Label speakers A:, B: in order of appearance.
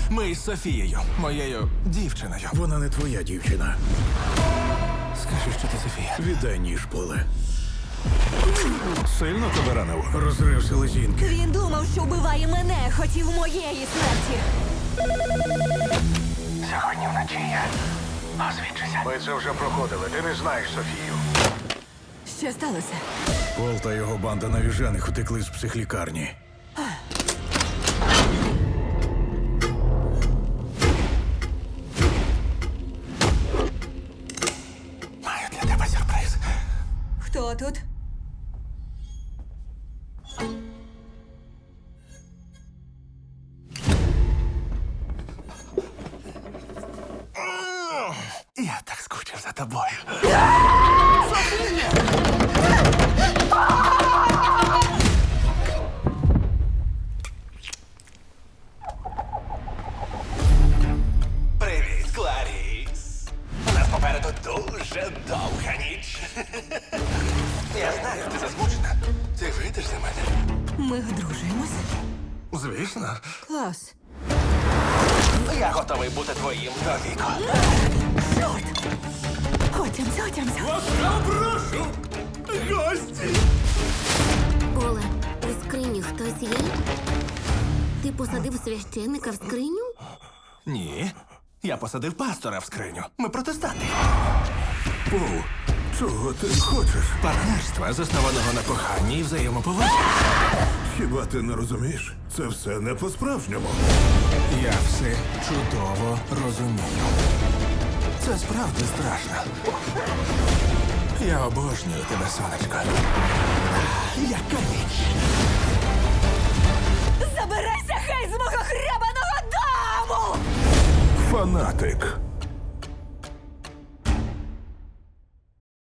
A: Ми із Софією, моєю дівчиною.
B: Вона не твоя дівчина.
A: Скажи, що ти Софія.
B: Віддай ніж, Поле.
A: Сильно тебе ранило?
B: Розрив селезінки.
C: Він думав, що вбиває мене, хотів моєї смерті.
A: Сьогодні вночі я освідчуся.
B: Ми це вже проходили. Ти не знаєш Софію.
C: Що сталося?
B: Пол та його банда навіжених утекли з психлікарні.
A: Маю для тебе сюрприз.
C: Хто тут?
A: Я так скучив за тобою. Привіт, Кларіс. У нас попереду дуже довга ніч. Я знаю, ти засмучена. Ти вийдеш за мене?
C: Ми одружуємось.
A: Звісно.
C: Клас.
A: Я готовий бути твоїм до віку.
C: Чорт! Отямся.
A: Прошу! Гості!
D: Поле, у скрині хтось є? Ти посадив священника в скриню?
A: Ні. Я посадив пастора в скриню. Ми протестанти.
B: Пол, чого ти хочеш?
A: Партнерства, заснованого на коханні і взаємоповазі.
B: Хіба ти не розумієш? Це все не по-справжньому.
A: Я все чудово розумію. Це справді страшно. Я обожнюю тебе, сонечко. Яка ніч!
C: Забирайся хай з мого хребаного дому!
B: Фанатик.